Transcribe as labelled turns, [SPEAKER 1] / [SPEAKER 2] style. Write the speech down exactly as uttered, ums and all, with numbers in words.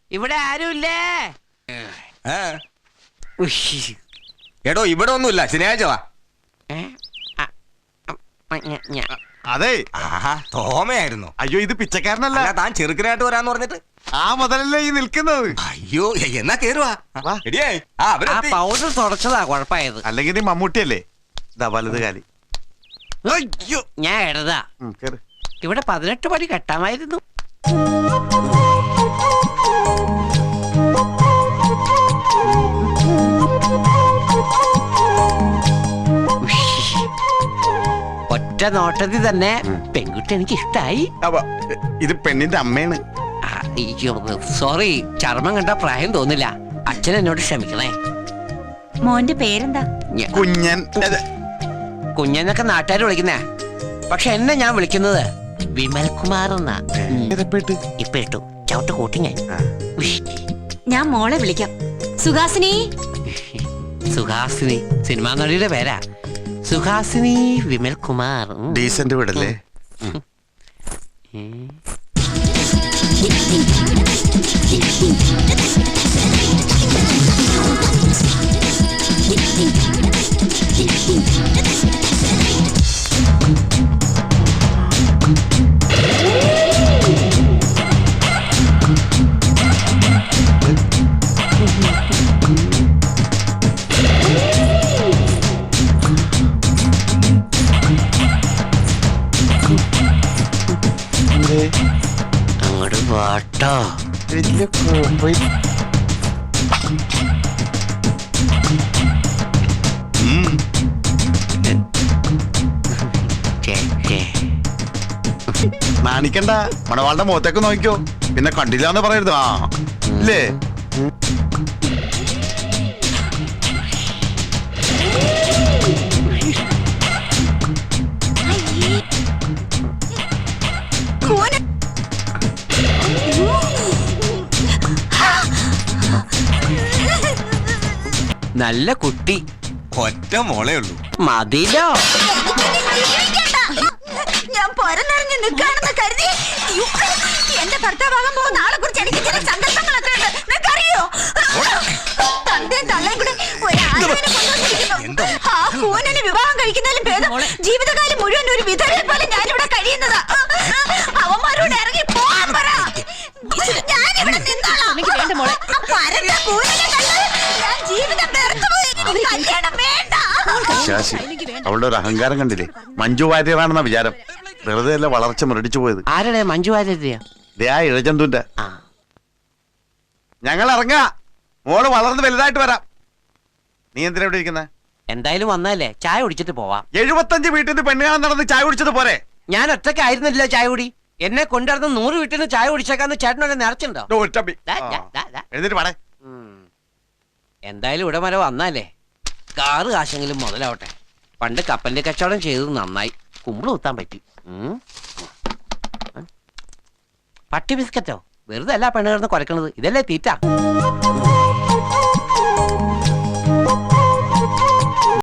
[SPEAKER 1] ഇവിടെ ആരുമില്ലേ?
[SPEAKER 2] എടോ ഇവിടെ ഒന്നുമില്ല, ശനിയാഴ്ച വാ.
[SPEAKER 3] അതെ
[SPEAKER 2] തോമയായിരുന്നു.
[SPEAKER 3] അയ്യോ ഇത് പിച്ചക്കാരനല്ല,
[SPEAKER 2] താൻ ചെറുക്കനായിട്ട് വരാന്ന് പറഞ്ഞിട്ട്
[SPEAKER 3] ആ മുതലല്ലേ ഈ നിൽക്കുന്നത്.
[SPEAKER 2] അയ്യോ എന്നാ കേറുവാ.
[SPEAKER 1] പൗഡർ തുടച്ചതാ കുഴപ്പമായത്.
[SPEAKER 3] അല്ലെങ്കിൽ നീ മമ്മൂട്ടിയല്ലേ? ഇതാ വലത് കാലി.
[SPEAKER 1] അയ്യോ ഞാൻ ഇടതാ. ഇവിടെ പതിനെട്ട് പടി കെട്ടാമായിരുന്നു. ഒറ്റ നോട്ടത്തിൽ തന്നെ പെൺകുട്ടി എനിക്ക് ഇഷ്ടായി.
[SPEAKER 3] ഇത് പെണ്ണിന്റെ അമ്മയാണ്.
[SPEAKER 1] സോറി, ചർമ്മം കണ്ട പ്രായം തോന്നില്ല. അച്ഛൻ എന്നോട് ക്ഷമിക്കണേ.
[SPEAKER 4] മോന്റെ പേരെന്താ?
[SPEAKER 3] കുഞ്ഞൻ.
[SPEAKER 1] കുഞ്ഞനൊക്കെ നാട്ടുകാർ വിളിക്കുന്നേ, പക്ഷെ എന്നെ ഞാൻ വിളിക്കുന്നത് വിമൽ കുമാർ എന്നാ. ഇപ്പൊ ഇട്ടു ചവിട്ട് കൂട്ടി ഞാൻ.
[SPEAKER 4] ഞാൻ മോളെ വിളിക്കാം. സുഹാസിനി.
[SPEAKER 1] സുഹാസിനി സിനിമാ നടിയുടെ പേരാ. സുഹാസിനി വിമൽ കുമാർ.
[SPEAKER 3] ഡീസന്റ് വിടല്ലേ?
[SPEAKER 1] അങ്ങോട്ട് വാട്ടോ.
[SPEAKER 3] നാണിക്കണ്ട, മണവാളുടെ മുഖത്തേക്ക് നോക്കിക്കോ, പിന്നെ കണ്ടില്ലാന്ന് പറയരുത്. ആ ഇല്ലേ?
[SPEAKER 1] നല്ല കുട്ടി,
[SPEAKER 2] ഒറ്റ മോളേ ഉള്ളൂ.
[SPEAKER 1] മതിലോ.
[SPEAKER 4] ഞാൻ പൊരനിറങ്ങി നിൽക്കാണെന്ന് കരുതി എന്റെ ഭർത്താവാകാൻ പോകുന്ന ആളെ കുറിച്ച് എനിക്ക് ചില സങ്കല്പങ്ങളൊക്കെ ഉണ്ട്. നിനക്കറിയോ? തന്തയും തള്ളയും കൂടെ ഒരാളിനെ കൊണ്ടുവന്നിരിക്കുന്നു. ആ കൂനനെ വിവാഹം കഴിക്കുന്നതിലും ഭേദം ജീവിതകാലം മുഴുവൻ ഒരു വിധവയെ പോലെ ഞാനിവിടെ കഴിയുന്നതാ. അവന്മാരോട് ഇറങ്ങി പോവാൻ പറ. ഞാനിവിടെ നിന്നോളാം. പരന്ന കൂനനെ കണ്ട് ഞാൻ ജീവിതം വെറുത്തുപോയി. കല്യാണം വേണ്ട.
[SPEAKER 3] ശാശി, അവളുടെ ഒരു അഹങ്കാരം കണ്ടില്ലേ? മഞ്ജു വാര്യറാണെന്ന വിചാരം. വെറുതെ അല്ല വളർച്ച മുരടിച്ചു പോയത്.
[SPEAKER 1] ആരുടെ മഞ്ജു വാര്യരെയാ?
[SPEAKER 3] ഇഴജന്തുന്റെ. ഞങ്ങൾ ഇറങ്ങാ, മോള് വളർന്ന് വലുതായിട്ട് വരാം. നീ എന്തിനാ ഇവിടെ ഇരിക്കുന്നത്?
[SPEAKER 1] എന്തായാലും വന്നല്ലേ, ചായ കുടിച്ചിട്ട് പോവാം.
[SPEAKER 3] എഴുപത്തഞ്ച് വീട്ടിൽ നിന്ന് പെണ്ണുകാണാൻ നടന്ന് ചായ കുടിച്ചത് പോരെ?
[SPEAKER 1] ഞാൻ ഒറ്റയ്ക്കായിരുന്നില്ല ചായ കുടി. എന്നെ കൊണ്ടുവരുന്ന നൂറ് വീട്ടിൽ നിന്ന് ചായ കുടിച്ചേക്കാന്ന് ചേട്ടനോട് നിറച്ചുണ്ടോ? എന്തായാലും ഇവിടെ വരെ വന്നാലേ കാറ് കാശെങ്കിലും മുതലാവട്ടെ. പണ്ട് കപ്പലിന്റെ കച്ചവടം ചെയ്തത് നന്നായി, കുമ്പിള് കുത്താൻ പറ്റി. പട്ടി ബിസ്ക്കറ്റോ? വെറുതെ അല്ല പെണ്ണ് കിടന്ന് കുരക്കണത്, ഇതല്ലേ തീറ്റ.